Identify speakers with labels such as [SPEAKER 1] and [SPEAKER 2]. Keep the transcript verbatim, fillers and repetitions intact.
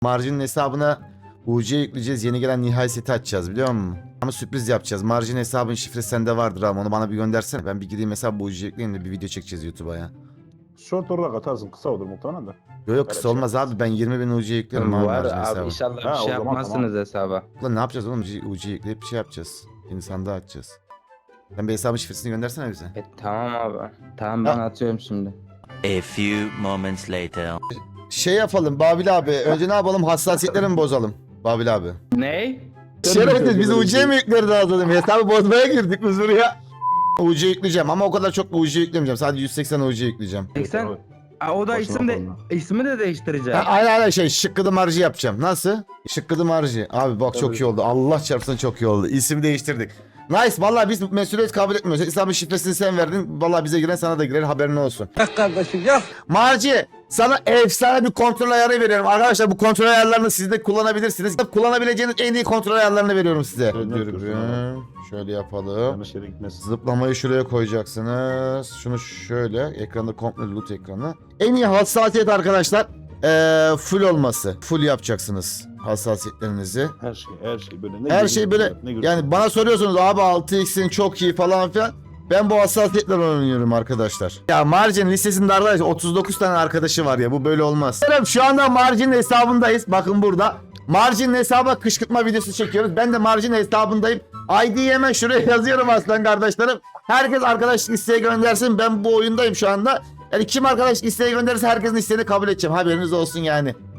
[SPEAKER 1] Marjin'in hesabına U C yükleyeceğiz. Yeni gelen nihai seti açacağız biliyor musun? Ama sürpriz yapacağız. Marjin hesabın şifresi sende vardır ama onu bana bir göndersene. Ben bir gideyim hesabı U C yükleyeyim de bir video çekeceğiz YouTube'a ya.
[SPEAKER 2] Short olarak atarsın, kısa olur muhtemelen de.
[SPEAKER 1] Yok yok kısa
[SPEAKER 2] Öyle
[SPEAKER 1] olmaz abi. Ben yirmi bin U C yüklerim abi
[SPEAKER 3] Var
[SPEAKER 1] Marjin
[SPEAKER 3] abi
[SPEAKER 1] hesabı.
[SPEAKER 3] inşallah
[SPEAKER 2] Ha,
[SPEAKER 3] bir
[SPEAKER 2] o
[SPEAKER 3] şey
[SPEAKER 2] zaman
[SPEAKER 3] yapmazsınız hesaba.
[SPEAKER 1] Lan ne yapacağız oğlum? U C yükleyip bir şey yapacağız. Yeni sandığı açacağız. Sen bir hesabın şifresini göndersene bize.
[SPEAKER 3] E, tamam abi. Tamam ben
[SPEAKER 1] Ha.
[SPEAKER 3] atıyorum şimdi.
[SPEAKER 4] A few moments later.
[SPEAKER 1] Şey yapalım Babil abi. Önce ne yapalım? Hassasiyetleri mi bozalım? Babil abi.
[SPEAKER 3] Ney?
[SPEAKER 1] Şerefsiz biz U C mi yükleri lazım? Hesabı bozmaya girdik biz buraya. U C yükleyeceğim ama o kadar çok U C yüklemeyeceğim. Sadece yüz seksen U C yükleyeceğim.
[SPEAKER 3] seksen. Aa, o da
[SPEAKER 2] Boşuna
[SPEAKER 3] isim de
[SPEAKER 2] koyma.
[SPEAKER 3] ismi de değiştireceğim.
[SPEAKER 1] Ha, aynen aynen şey şıkkıdı marjı yapacağım. Nasıl? Şıkkıdı marjı. Abi bak çok
[SPEAKER 2] Tabii.
[SPEAKER 1] iyi oldu. Allah çarpsın çok iyi oldu. İsim değiştirdik. Nice. Vallahi biz mesuliyet kabul etmiyoruz. İslam'ın şifresini sen verdin. Vallahi bize giren sana da girer. Haberin olsun.
[SPEAKER 5] Yok kardeşim yok.
[SPEAKER 1] Marci sana efsane bir kontrol ayarı veriyorum. Arkadaşlar bu kontrol ayarlarını siz de kullanabilirsiniz. Kullanabileceğiniz en iyi kontrol ayarlarını veriyorum size.
[SPEAKER 2] Evet,
[SPEAKER 1] Dur
[SPEAKER 2] evet,
[SPEAKER 1] bir. Şöyle yapalım.
[SPEAKER 2] Yanlış yere gitmesin.
[SPEAKER 1] Zıplamayı şuraya koyacaksınız. Şunu şöyle. Ekranda komple loot ekranı. En iyi hassasiyet arkadaşlar. Ee, full olması. Full yapacaksınız hassasiyetlerinizi.
[SPEAKER 2] Her şey, her şey böyle. Ne
[SPEAKER 1] Her
[SPEAKER 2] görüyorsun?
[SPEAKER 1] şey böyle.
[SPEAKER 2] Ne görüyorsun?
[SPEAKER 1] Yani bana soruyorsunuz abi altı x'in çok iyi falan filan. Ben bu hassasiyetler oynuyorum arkadaşlar. Ya Margin listesinde arkadaşlar otuz dokuz tane arkadaşı var ya bu böyle olmaz. Şu anda Margin hesabındayız. Bakın burada. Margin hesaba kışkırtma videosu çekiyoruz. Ben de Margin hesabındayım. I D'yi hemen şuraya yazıyorum aslan kardeşlerim. Herkes arkadaşlık isteği göndersin. Ben bu oyundayım şu anda. Yani kim arkadaşlık isteği gönderirse herkesin isteğini kabul edeceğim. Haberiniz olsun yani.